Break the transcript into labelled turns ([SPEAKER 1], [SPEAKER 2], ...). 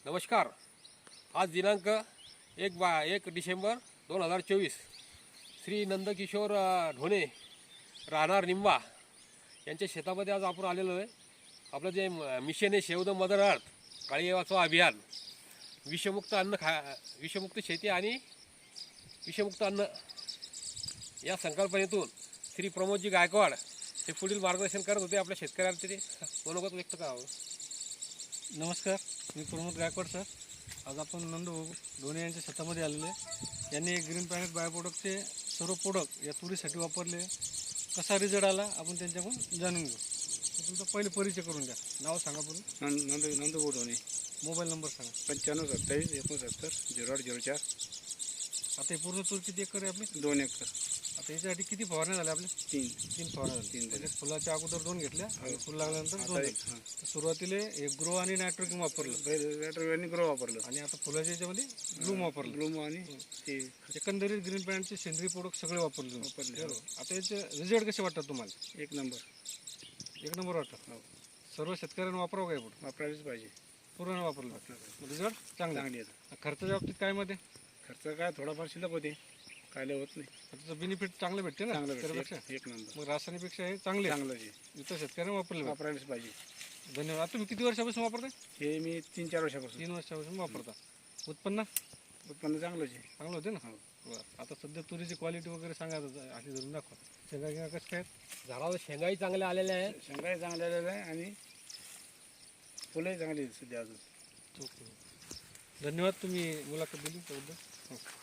[SPEAKER 1] नमस्कार. आज दिनांक 1 डिसेंबर 2024 श्री नंदकिशोर ढोणे राहणार निंबा यांच्या शेतामध्ये आज आपण आलेलो आहे. आपलं जे मिशन आहे सेव्ह द मदर अर्थ काळी वाचवा अभियान, विषमुक्त शेती आणि विषमुक्त अन्न या संकल्पनेतून श्री प्रमोदजी गायकवाड हे पुढील मार्गदर्शन करत होते. आपल्या शेतकऱ्यांचे ते मनोगत व्यक्त करावं.
[SPEAKER 2] नमस्कार, मी प्रमोद गायकवाड सर. आज आपण नंदू ढोणे यांच्या शेतामध्ये आलेले आहे. यांनी ग्रीन प्लॅनेट बायो प्रोडक्टचे सर्व प्रोडक्ट या तुरीसाठी वापरले. कसा रिझल्ट आला आपण त्यांच्याकडून जाणून घेऊ. तुमचा पहिले परिचय करून द्या. नाव सांगा पूर्ण.
[SPEAKER 3] नंदू ढोणे.
[SPEAKER 2] मोबाईल नंबर सांगा.
[SPEAKER 3] 9527 69
[SPEAKER 2] आता हे पूर्ण तूर किती एकर आहे आपली?
[SPEAKER 3] 2 एकर.
[SPEAKER 2] आता याच्यासाठी किती फवारण्या झाल्या आपल्या?
[SPEAKER 3] 3
[SPEAKER 2] फवारण्या झाल्या. त्याच्यात फुलाच्या अगोदर 2 घेतल्या आणि फुल लागल्यानंतर 2 घेतल्या. सुरुवातीला एक ग्रो आणि नायट्रोजन वापरलं
[SPEAKER 3] आणि ग्रो वापरलं
[SPEAKER 2] आणि आता फुलाच्या याच्यामध्ये ब्लूम वापरलं.
[SPEAKER 3] ब्लूम आणि ते
[SPEAKER 2] एकंदरीत ग्रीन प्लॅनेटचे सेंद्रिय प्रोडक्ट सगळे वापरले. आता याचे रिझल्ट कसे वाटतात तुम्हाला?
[SPEAKER 3] 1 नंबर.
[SPEAKER 2] 1 नंबर वाटतं. सर्व शेतकऱ्यांना वापरावं काय पुढे?
[SPEAKER 3] वापरायलाच पाहिजे.
[SPEAKER 2] पूर्ण वापरलं रिझल्ट चांगला.
[SPEAKER 3] येतं.
[SPEAKER 2] खर्चाच्या बाबतीत काय मध्ये?
[SPEAKER 3] खर्च काय थोडाफार शिल्लक होते, काय होत नाही.
[SPEAKER 2] त्याचं बेनिफिट चांगलं भेटते ना शेतकऱ्यापेक्षा.
[SPEAKER 3] 1 नंबर.
[SPEAKER 2] मग रासायनिकपेक्षा हे चांगले
[SPEAKER 3] चांगलं आहे.
[SPEAKER 2] इतर शेतकऱ्यांना वापरले.
[SPEAKER 3] वापरायलाच पाहिजे.
[SPEAKER 2] धन्यवाद. आता तुम्ही किती वर्षापासून वापरताय?
[SPEAKER 3] हे मी 3-4 वर्षापासून.
[SPEAKER 2] 3 वर्षापासून वापरता. उत्पन्न
[SPEAKER 3] चांगलंच आहे.
[SPEAKER 2] चांगलं होते ना.
[SPEAKER 3] हो.
[SPEAKER 2] बरं. आता सध्या तुरीची क्वालिटी वगैरे सांगा, अशी धरून दाखवा. शेंगा कसं काय?
[SPEAKER 1] झाडावर शेंगाही चांगल्या आलेल्या आहेत.
[SPEAKER 3] शेंगाही चांगल्या आलेल्या आहे आणि फुलंही चांगली आहेत सध्या अजून.
[SPEAKER 2] धन्यवाद, तुम्ही मुलाखत दिली त्याबद्दल.